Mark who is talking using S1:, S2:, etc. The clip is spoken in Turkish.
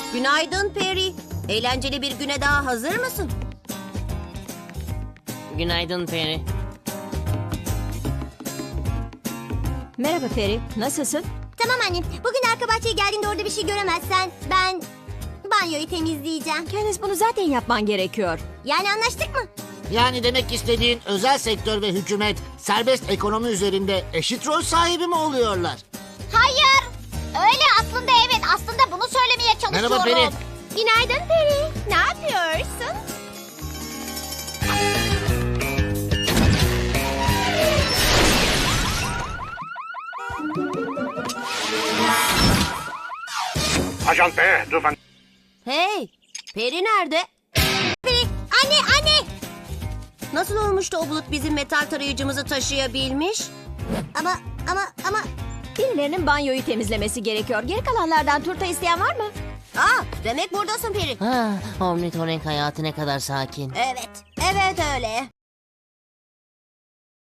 S1: Günaydın Peri. Eğlenceli bir güne daha hazır mısın?
S2: Günaydın Peri.
S3: Merhaba Peri, nasılsın?
S4: Tamam anne. Bugün arka bahçeye geldiğinde orada bir şey göremezsen ben banyoyu temizleyeceğim.
S3: Candice, bunu zaten yapman gerekiyor.
S4: Yani anlaştık mı?
S5: Yani demek istediğin özel sektör ve hükümet serbest ekonomi üzerinde eşit rol sahibi mi oluyorlar?
S4: Hayır. Öyle aslında evet. Aslında bunu söylemeye çalışıyorum.
S5: Merhaba Peri.
S4: Günaydın Peri. Ne yapıyorsun?
S6: Ajan P, lütfen.
S1: Hey, Peri nerede?
S4: Peri. Anne.
S1: Nasıl olmuş da o bulut bizim metal tarayıcımızı taşıyabilmiş?
S4: Ama
S3: Birilerinin banyoyu temizlemesi gerekiyor. Geri kalanlardan turta isteyen var mı?
S1: Demek buradasın Peri.
S2: Omnitorink hayatı ne kadar sakin.
S1: Evet öyle.